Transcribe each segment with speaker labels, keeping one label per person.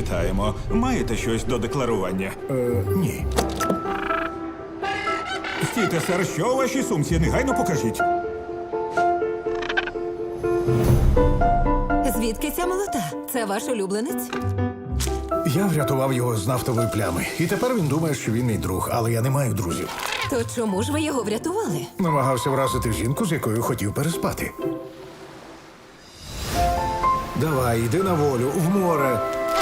Speaker 1: Вітаємо. Маєте щось до декларування?
Speaker 2: Ні.
Speaker 1: Стійте, сер, що у вашій сумці? Негайно покажіть.
Speaker 3: Звідки ця молота? Це ваш улюбленець?
Speaker 2: Я врятував його з нафтової плями. І тепер він думає, що він мій друг, але я не маю друзів.
Speaker 3: То чому ж ви його врятували?
Speaker 2: Намагався вразити жінку, з якою хотів переспати. Давай, йди на волю, в море.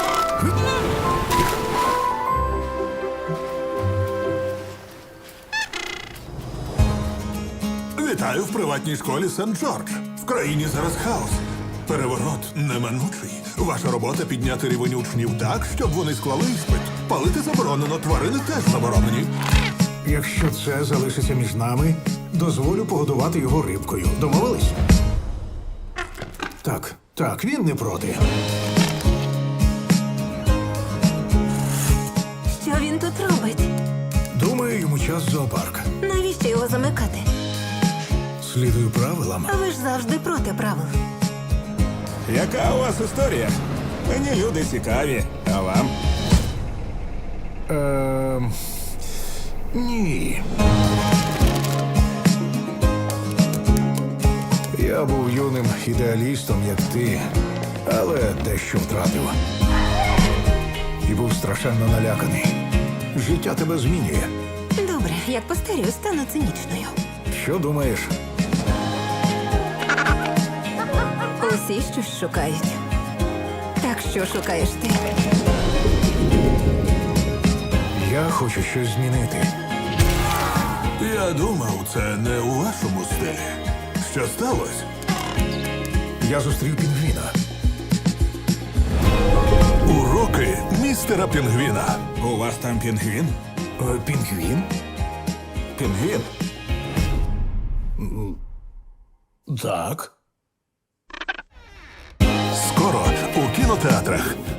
Speaker 4: Вітаю в приватній школі Сент-Джордж. В країні зараз хаос. Переворот неминучий. Ваша робота — підняти рівень учнів так, щоб вони склали іспит. Палити заборонено, тварини теж заборонені.
Speaker 2: Якщо це залишиться між нами, дозволю погодувати його рибкою. Домовились? Так, він не проти.
Speaker 3: Що він тут робить?
Speaker 2: Думаю, йому час в зоопарк.
Speaker 3: Навіщо його замикати?
Speaker 2: Слідую правилам.
Speaker 3: А ви ж завжди проти правил.
Speaker 1: Яка у вас історія? Мені люди цікаві. А вам?
Speaker 2: Ні. Я був юним ідеалістом, як ти, але дещо втратив. І був страшенно наляканий. Життя тебе змінює.
Speaker 3: Добре, як постарію, стану цинічною.
Speaker 2: Що думаєш?
Speaker 3: Усі щось шукають. Так що шукаєш ти?
Speaker 2: Я хочу щось змінити.
Speaker 4: Я думав, це не у вашому стилі. Що сталося?
Speaker 2: Я зустрів пінгвіна.
Speaker 4: Уроки містера Пінгвіна.
Speaker 1: У вас там пінгвін?
Speaker 2: Пінгвін?
Speaker 1: Пінгвін?
Speaker 2: Так.
Speaker 4: Скоро у кінотеатрах.